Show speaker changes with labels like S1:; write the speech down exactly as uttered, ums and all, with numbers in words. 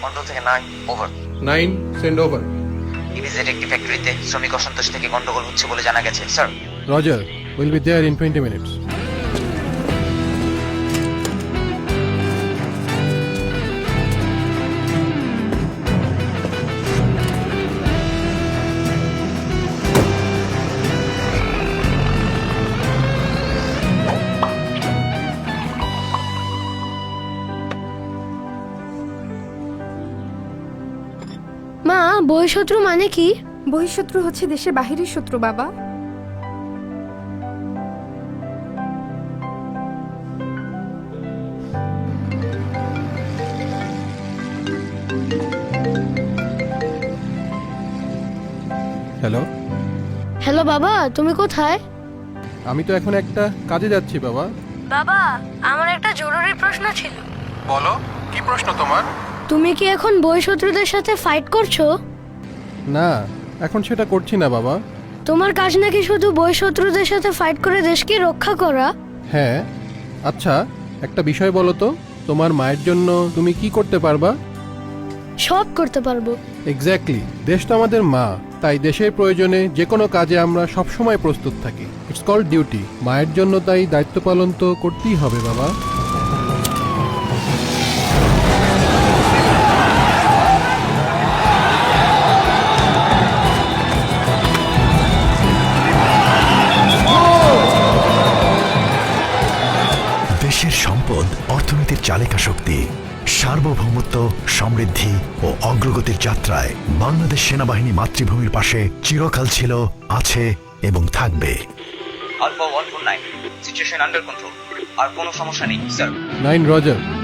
S1: Control থেকে nine over.
S2: Nine send over.
S1: Immediate একটি ফ্যাক্টরিতে শ্রমিক অসন্তোষ থেকে গন্ডগোল হচ্ছে বলে জানা গেছে sir.
S2: Roger, will be there in twenty minutes.
S3: মা, বহিঃশত্রু মানে কি?
S4: বহিঃশত্রু হচ্ছে দেশের বাহিরের শত্রু বাবা।
S2: হ্যালো,
S3: হ্যালো বাবা, তুমি কোথায়?
S2: আমি তো এখন একটা কাজে যাচ্ছি বাবা।
S3: বাবা, আমার একটা জরুরি প্রশ্ন ছিল।
S2: বলো, কি প্রশ্ন তোমার?
S3: তুমি কি এখন বহিঃশত্রুদের সাথে ফাইট করছো?
S2: না, এখন সেটা করছি না বাবা।
S3: তোমার কাজ নাকি শুধু বহিঃশত্রুদের সাথে ফাইট করে দেশকে রক্ষা করা?
S2: হ্যাঁ, আচ্ছা একটা বিষয় বলো তো, তোমার মায়ের জন্য তুমি কি করতে পারবা?
S3: সব করতে পারবো।
S2: এক্স্যাক্টলি, দেশ তো আমাদের মা, তাই দেশের প্রয়োজনে যে কোনো কাজে আমরা সবসময় প্রস্তুত থাকি। It's called duty. মায়ের জন্য তাই দায়িত্ব পালন তো করতেই হবে বাবা।
S5: দেশের সম্পদ অর্থনীতির চালিকা শক্তি। সার্বভৌমত্ব, সমৃদ্ধি ও অগ্রগতির যাত্রায় বাংলাদেশ সেনাবাহিনী মাতৃভূমির পাশে চিরকাল ছিল, আছে এবং থাকবে।
S1: Alpha one four nine, situation under control. আর কোনো সমস্যা নেই স্যার।
S2: Nine Roger.